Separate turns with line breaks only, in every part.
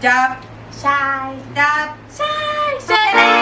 จับ
ชาย
จับ
ชายใช่แล้ว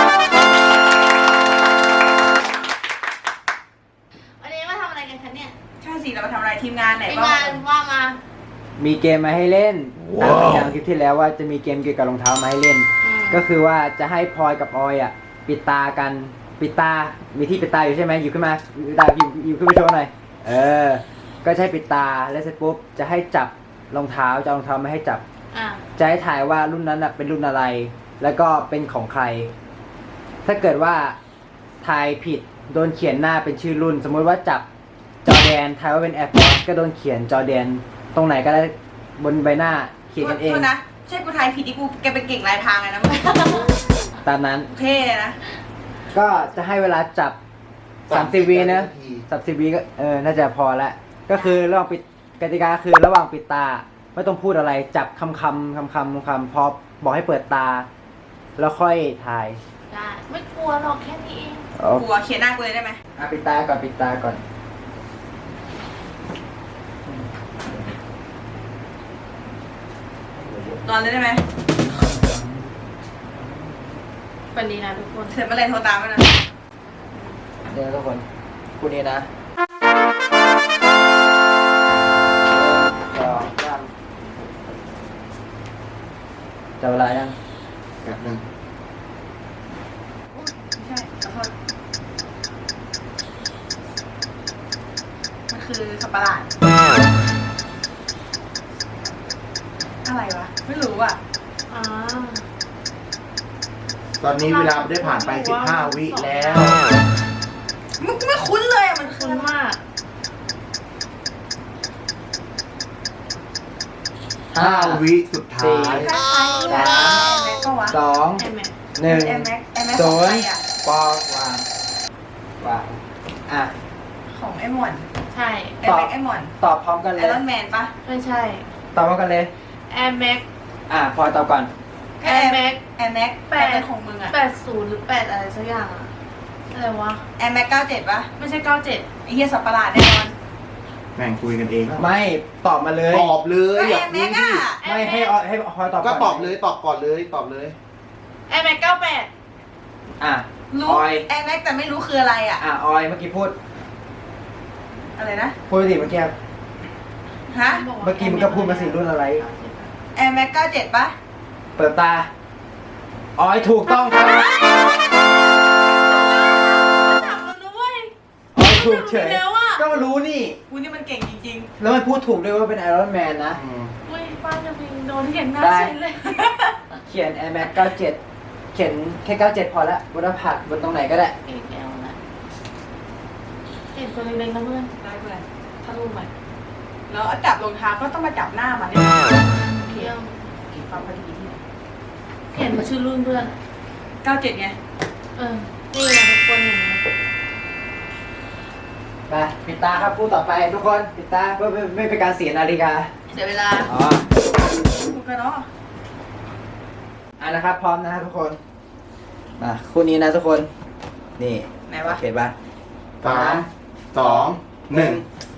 วันนี้มาทำอะไรกันคะเนี่ย
ใช่สิเรามาทำอะไรทีมงานไหน
ทีมงานว่ามา
มีเกมมาให้เล่นตามสัญญาณคลิปที่แล้วว่าจะมีเกมเกี่ยวกับรองเท้ามาให้เล่น ก็คือว่าจะให้พลอยกับออยปิดตากันปิดตา มีที่ปิดตาอยู่ใช่ไหมหยิบขึ้นมาปิดตาหยิบขึ้นมาโชว์หน่อยก็ใช้ปิดตาแล้วเสร็จปุ๊บจะให้จับรองเท้าจะเอารองเท้ามาให้จับจะให้ถ่ายว่ารุ่นนั้นเป็นรุ่นอะไร แล้วก็เป็นของใคร ถ้าเกิดว่าทายผิดโดนเขียนหน้าเป็นชื่อรุ่น สมมติว่าจับจอแดนทายว่าเป็น Air Force ก็โดนเขียนจอแดนตรงไหนก็ได้บนใบหน้าเขียนกันเอง
นะใช่กูทายผิดที่กูแกเป็นเก่งลายทางเลยนะมึง
ตามนั้น
เท่เลยนะ
ก็จะให้เวลาจับ30 วินะ30 วิก็น่าจะพอละก็คือระหว่างปิดกติกาคือระหว่างปิดตาไม่ต้องพูดอะไรจับคำพอบอกให้เปิดตาแล้วค่อยถ่าย
ได้ไม่กลัวหรอกแค่นี้เอง
กลัวเขียนหน้ากูเลยได้ไหม
ปิดตาก่อนปิดตาก่อน
นอนเลยได้ไหม
วันนี้นะทุกคน
เสร็จเมื่อไรโทรตามนะ
เดี๋ยวทุกคนคู่นี้นะจะเวลายัง
แบบนึง
ไม่ใช่ขอโทษมันคือสับประหลาดอะไรวะไม่รู้อ่ะ
ตอนนี้เวลาได้ผ่านไป15 วิแล้ว
มึงไม่คุ้นเลยมัน
คุ้นมาก
5 วิสุดท้าย
3 2 1 0ปอกวาง
ของไอ้หม่อน
ใช่
ไอ้หม่อน
ตอบพร้อมกันเลย
ไอรอนแมนปะ
ไม่ใช่
ตอบพร้อมกันเลย
Air Max
พลอยตอบก่อน
Air Max
8ของมึงอะ
80หรือ8อะไรสักอย่างอะอะไรวะ
Air Max 97ปะ
ไม่ใช่97
ไอ้เหี้ยสับประหลาดแน่นอน
แม่งคุยกันเอง
ไม่ตอบมาเลย
ตอบเลย
อยากรู้ดิ
ไม่ให้พลอยตอบ
ก็ตอบเลยตอบก่อนเลยตอบเลย
Air Max 98
รู้ Air Max แต่ไม่รู้คืออะไรอ่ะ
ออยเมื่อกี้พูด
อะไรนะ
พูดดิเมื่อกี้
ฮะ
เมื่อกี้มึงก็พูดมาสิรุ่นอะไร
Air Max 97ปะ
เปิดตาออยถูกต้องครับออยถูกเฉยก็รู้นี่
กูนี่มันเก่งจริง
ๆแล้วมันพูดถูกด้วยว่าเป็นไอรอนแมนนะ
อุ้ยป้าจะพิงโดนเห็นหน้าฉันเลย
เขียน Air Max 97เขียนแค่97พอละบนหน้าผากบนตรงไหนก็ได้
เห็นตัวเล็กๆนะเพื่อน
ได้เพื่อน
ถ้ารู้ไหม
แล้วจับรองเท้าก็ต้องมาจับหน้ามันเนี่ย
เที่ยว
กี่ความพอดีที่
เห็นมาชื่อรุ่นเพื่อน
97ไง
นี่นะทุกคนเห็นไหม
ไปปิดตาครับพูดต่อไปทุกคนปิดตาเพื่อไม่เป็นการเสียนาฬิกา
เสียเวลาพูดกันเนาะ
นะครับพร้อมนะครับทุกคนมาคู่นี้นะทุกคนนี่
ไหนวะ
เขียนป่ะ
3 2 1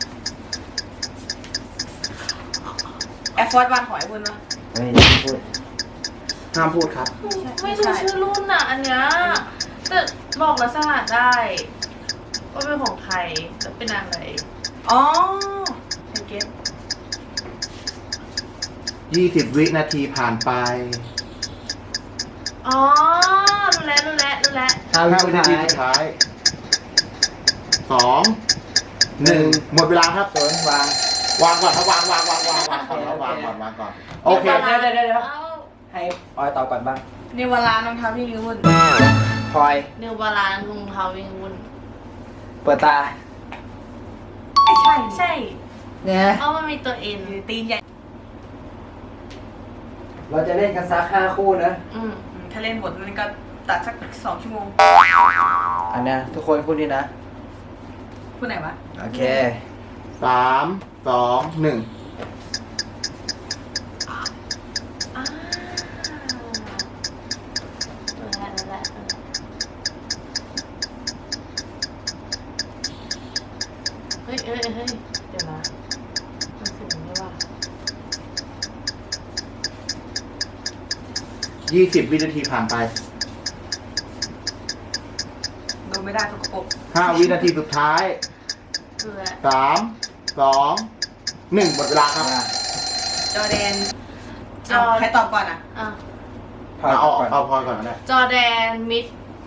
แอร์ฟอร์สวันขอไอ้บุญวะ
ไม่พูด
ห้ามพูดครับ
ไม่รู้ชื่อรุ่นอ่ะอันเนี้ยแต่บอกลักษณะได้ว่าเป็นของใครจะเป็นอะไร
อ๋อไอเก็ต
20 วินาทีผ่านไป
อ๋อรู้แล้ว
5 วินาทีสุดท้าย2 1หมดเวลาครับวางก่อนครับวางก่อนโอเค
เดี๋ยวให้ออยตอบก่อนบ้าง
เนวาลารองเท้าวิ่งวุ่น
พลอย
เนวาลารองเท้าวิ่งวุ่น
เปิดตา
ใช่
เนี่ย
เอามันมีตัวเอ็น
ตีนใหญ่
เราจะเล่นกันสัก5 คู่นะ
ถ้าเล่นหมดมันก็ตัดสัก2 ชั่วโมง
อันนี้ทุกคนคู่นี้นะ
คู่ไหนวะ
โอเค
3 2 1
เฮ้ยเดี๋ยวนะมันสูงด้วยว่ะ
20 วินาทีผ่านไป
โดนไม่ได้สกปรก
5 วินาทีสุดท้าย
คืออะไร
3 2 1หมดเวลาครับ
จอร์แดน
จอร์
ใครตอบก่อนอ่ะ
อ่ะ
พอย
เอา
ก่อน
เอาพอยก่อนก็ได้
จอร์แดนมิด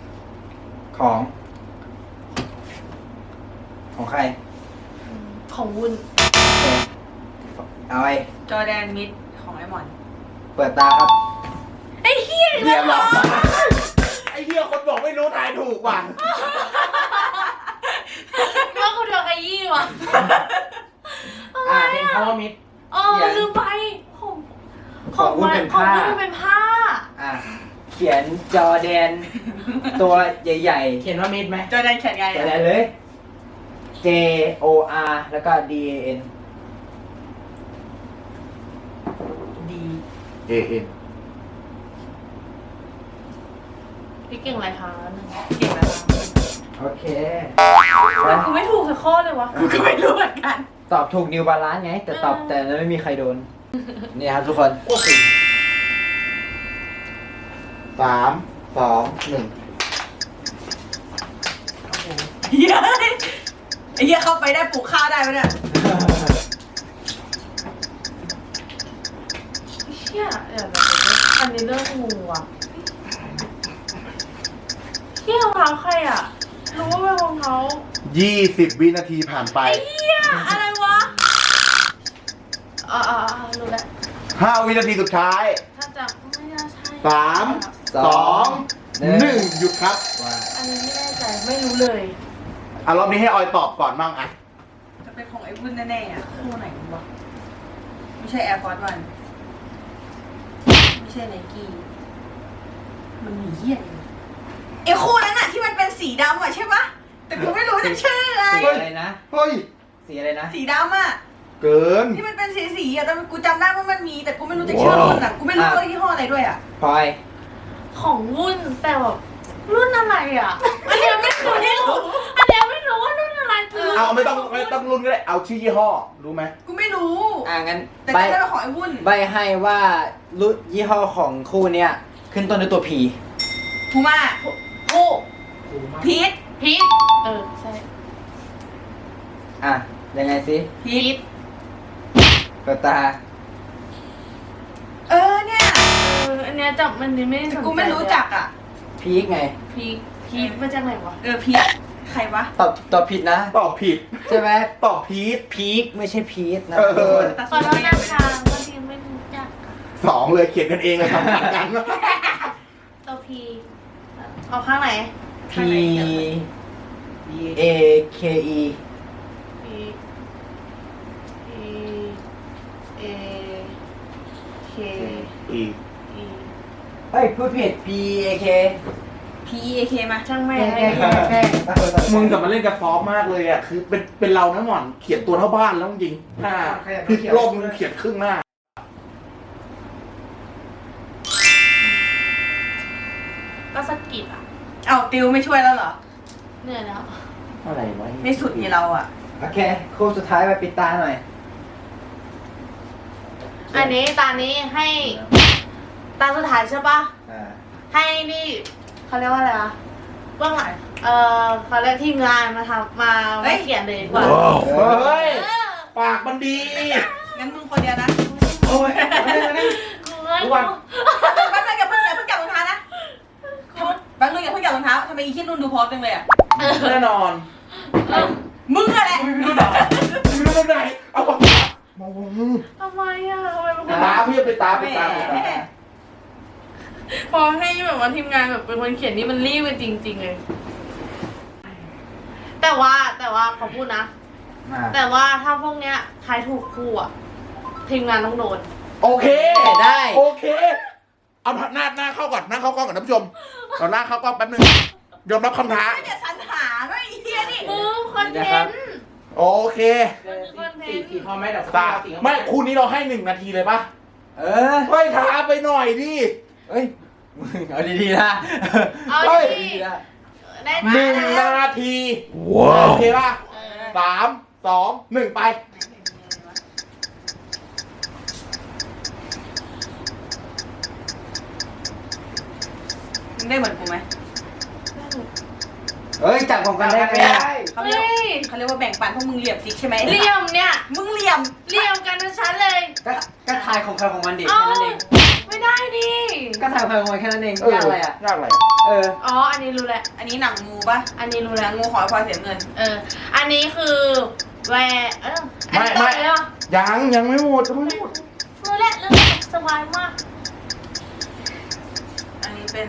ของใคร
ของวุ้น
โอเคเอาไว้
จอร์แดนมิดของไอ้หมอน
เปิดตาครับ
ไอ้เหี้ย
เรียบร้อยไอ้เหี้ยคนบอกไม่รู้ทายถูกว่ะ
ว่ากูโดนขยี้วะอะไร
เป็น
อ่ะ
คำว่ามิด
เออลืมไปของ
ของวุ้นเป็นผ้า
ของวุ้นเป็นผ้า
เขียนจอแดน ตัวใหญ่ๆ เขียนว่ามิดไหม
จอร์แดนเขียนไง
จอ
อ่ะ
แดนเลย J O R แล้วก็ D A N
ดี
AN
พี่เก่งอะไรคะหนึ่ง
เก่งแล้ว
โอเค
กูไม่ถูกสักข้อเลยวะ
กูก็ไม่รู้เหมือนกัน
ตอบถูกนิวบาลานซ์ไง แต่ตอบแต่นั้นไม่มีใครโดน นี่ครับทุกคน
3 2 1
เฮียไอ้เฮียเข้าไปได้ปลูกข้าวได้ไหมเนี่ย
เชี่ยเดี๋ยวอันนี้เรื่องงูอ่ะเชี่ยรองเท้าใครอ่ะ รู้ว่าเป็นรองเท้า
20 วินาทีผ่านไป
เชี่ยอะไรวะรู้แล้ว
5 วินาทีสุดท้าย
ถ้าจะไม่น่าใช่
3 2 1 หยุดครับ
ว่า
อันนี้ไม่แน่ใจไม่รู้เลย
รอบนี้ให้ออยตอบก่อนมั่งอ่ะ
จะเป็นของไอ้วุ้นแน่ๆอ่ะคู่ไหนวะไม่ใช่ Air Force One ไม่ใช่ Nike มันมีเฮียอะไรไอ้คู่นั้นอ่ะที่มันเป็นสีดำอ่ะใช่ปะแต่กูไม่รู้จะชื่ออะไร
สีอะไรนะ
เฮ้ย
สีอะไรนะ
สีดำอ่ะ
เกิน
ที่มันเป็นสีอ่ะแต่กูจำได้ว่ามันมีแต่กูไม่รู้จะชื่อรุ่นอ่ะกูไม่รู้ว่ายี่ห้ออะไรด้วยอ่ะ
พลอย
ของวุ่นแต่แบบรุ่นอะไรอ่ะ อันเนี้ยไม่รู้อันเนี้ยไม่รู้ว่ารุ่นอะไรคือ
เอาไม่ต้องรุ่นก็ได้ เอาชื่อยี่ห้อ รู้ไหม
กูไม่รู้
งั้น
แต่
ใบ
จำได้ว่าของไอ้วุ้น
ใบให้ว่ารุ่นยี่ห้อของคู่เนี้ยขึ้นต้นด้วยตัว P
พูม่า
โอ้
พีท
พีทใช่
ยังไงสิ
พีท
เปิดตา
เนี่ย
อันเนี้ยจับมันนี่ไม่ได้สนใจ
กูไม่รู้จักอ่ะ
พีกไง
พีทมาจากไหนวะ
พีทใครวะ
ตอบผิดนะ
ตอบผิด
ใช่ไหม
ตอบพีท
พีกไม่ใช่พีทนะ
เออ
ทุกคน
ขอโทษนะคะบางทีไม่รู้จักอะ
2 เลยเขียนกันเองเลยทำกันกัน
ตัวพีเอาข้างไหน
P A K E
พีเอเค
อีก
อี
เฮ้ยพูดผิด P A K
PEAK มา
ช่างแม่
แกล้ง
มึงกลับมาเล่นกับซอฟต์มากเลยอ่ะ คือเป็นเรานะหม่อน เขียนตัวเท่าบ้านแล้วจริงหน้าพลิกโลกมึงเขียนครึ่งหน้า
ก็สะกิดอ่ะ
เอาติวไม่ช่วยแล้วเหรอ
เหนื่อยแล้ว
อะไรวะ
ไม่สุดนี่เราอ่ะ
โอเคคู่สุดท้ายไปปิดตาหน่อย
อันนี้ตานี้ให้ตาสุดท้ายใช่ปะให้นี่เขาเรียกว่าอะไรวะเบื้องหลังเขาเรียกทีมงานมาทำมาเขียนเลยดีกว่า
เฮ้ย
เออ
ปากมันดี
งั้นมึงคนเดียวนะ
โอ้ย
กูเอ้ย
ทุกวัน
แป๊บนึงอย่าเพิ่งจับรองเท้านะแป๊บนึงอย่าเพิ่งจับรองเท้าทำไมอีคิดนุ่นดูพอสจังเลยอ่ะ
แน่นอน
มึงอะแหละ
ไม่รู้ไหนไม่รู้ไหนเอาปากมอง
ทำไมอ่ะทำไมเป็นคน
ตาพี่ไปตาไปตา
พอให้แบบว่าทีมงานแบบเป็นคนเขียนนี่มันรีบกันจริง ๆเลย แต่ว่าเขาพูดนะ แต่ว่าถ้าพวกเนี้ยทายถูกคู่อ่ะทีมงานต้องโดน
โอเค
ได้
โอเค เอาหน้าเข้าก่อนหน้าเข้ากล้องก่อนท่านผู้ชมเอาหน้าเข้ากล้องแป๊บนึงยอมรับคำท้า
ไม่จะสรรหาด้วยไอ้เหี้ยนี่
คอนเทนต์
โอเค
สีพอไหมแต่
ตาไม่คู่นี้เราให้1 นาทีเลยปะ เฮ้ยท้าไปหน่อยดิ
เอ้ยมึงเอาดีๆนะ
เอา
เฮ้ย
ดี
นะ
ได้
1 นาทีโอเคป่ะ3 2 1 ไป
เมึงได้เหมือนกูไหม
เอ้ยจับของกันได้ไหมอะ
เขาเรียกเขาเรียกว่าแบ่งปันพวกมึงเหลี่ยมซิกใช่ไหม
เหลี่ยมเนี่ย
มึงเหลี่ยม
เหลี่ยมกันทั้งชั้นเลย
ก็ทายของใครของมันดิ
เอ้า
แค่นั้นเอง
ไม่ได้ดิ
ก็ทายของใครของมันแค่นั้นเองยากอะไรอ่ะ
ยากอะไร
เออ
อ๋ออันนี้รู้แหละ
อันนี้หนังงูปะ
อันนี้รู้
หนั
แล้ว
งงูขอให้พลอยเสียเงิน
อันนี้คือแวร์อันนี้ต่อเลยเหรอ
ยังไม่หมดยังไม่หมด
รู้แหละเรื่องสบายมาก
อันนี้เป็น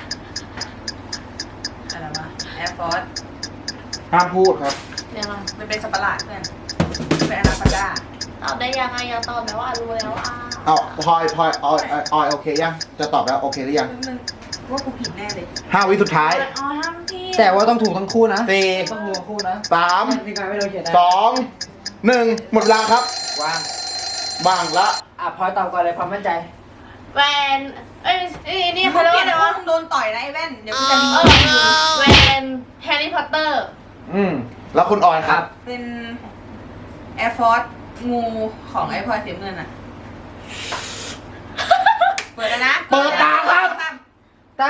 อะไรวะ Air Force
ห้ามพูดครับ
เดี๋ยวมา
มันเป็นสัตว์ประหลาดเพื่อนเป็นอนาคอนดา
ตอบได้ยังไงอย่าตอบแบบว่ารู้แล้วอ่ะ
เอาพลอยออยโอเคยังจะตอบแล้วโอเคหรือยัง
นึงว่ากูผิดแน่เลย
5 วิสุดท้าย
อ๋อห้ามพี่
แต่ว่าต้องถูกทั้งคู่นะ
4
ต้องถูกทั้งคู่นะ
3
ทีมงานไม่โดนเขียนได้
2 1 หมดเวลาครับ
วาง
บางละ
อ่ะพลอยตอบก่อนเลยความมั่นใจ
แวนนี่
มึ
เขา
ง
เรียก
เปลี่
ว่าย
น
อะไร
คู่
วะ
มึงโดนต่อยนะไอ้แว่น เดี๋ยวกูจะ
แวนแฮร์รี่พอตเตอร์
อืม
แล้วคุณออยครับ
เป็น Air Force งูของไอ้พลอยเสียเงินอ่ะ เปิดแล้วนะ
เปิดตาครับ
ได้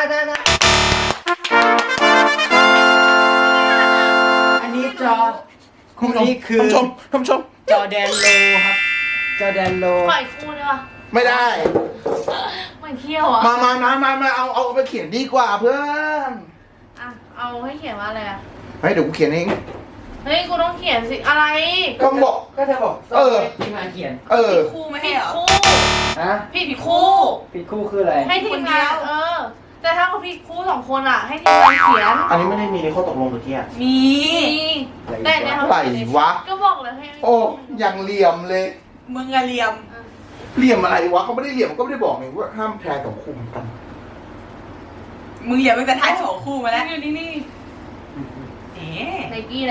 อันนี้จอคู่นี้คือ
ท่านผู้ชม
จอแดนโลครับ จอแดนโล
ปล่อยคู่ได้ปะ
ไม่ได้
มันเขี้ยวอ่ะ
มาเอาไปเขียนดีกว่าเพื่อน
อ่ะเอาให้เขียนว่าอะไรอ่ะ
เฮ้ยเดี๋ยวกูเขียนเอง
เฮ้ยกูต้องเขียนสิอะไร
ก็บอก
ก็เธอบอก
เออ
ทีมงานเขียน
เออ
คู่ไม่
ผิ
ให้
ด
เหรอ
คู่
ฮะ
ผิดคู่
ผิดคู่คืออะไร
ให้ทีมงาน
คนเดียว
แต่ถ้าเขาผิดคู่สองคนอ่ะ ให้ทีมงานเขียน
อันนี้ไม่ได้มีในข้อตกลงเมื่อกี้
มี
แต่เนี่ยเขา
ไหลวะ
ก็บอกเลยให้
โอ้ยังเหลี่ยมเลย
มึงอะเหลี่ยม
เหลี่ยมอะไรวะเขาไม่ได้เหลี่ยมก็ไม่ได้บอกนี่ว่าห้ามแพรกับคุมกัน
มึงเหลี่ยมมึงจะทายสองคู่มาแล้ว
อยู่นี่
เอ๊ะ
ไนกี้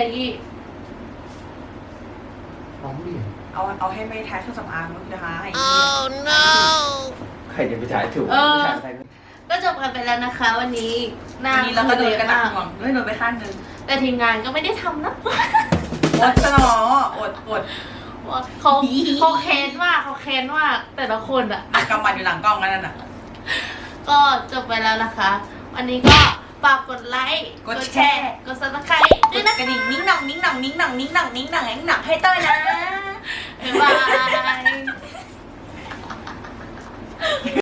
น้องเหลี่ยม
เอาให้ไม่ทายเครื่องสำอางมึงจะหาให้
ใครจะไปถ่ายถูก
ก็จบกันไปแล้วนะคะ วันนี้หน้า
อันนี้เราก็โดนกันหนัก
มาก
ห่วงเลยโดนไปข้างหนึง
แต่ทีมงานก็ไม่ได้ทำนะ
อดซะหนออด
เขาเค้นมากแต่ละคนอ่ะ
อัดกำบัดอยู่หลังกล้องนั่นน่ะ
ก็จบไปแล้วนะคะ วันนี้ก็ฝากกดไลค์
กดแชร์
กด subscribe
ก
ด้วย
ด
นะ
กระดิ่งนิ้งหนังนิ้งหนังนิ้งหนังนิ้งหนังนิ้งหนังนิ้งหนังให้เต้ยนะ
บ๊ายบาย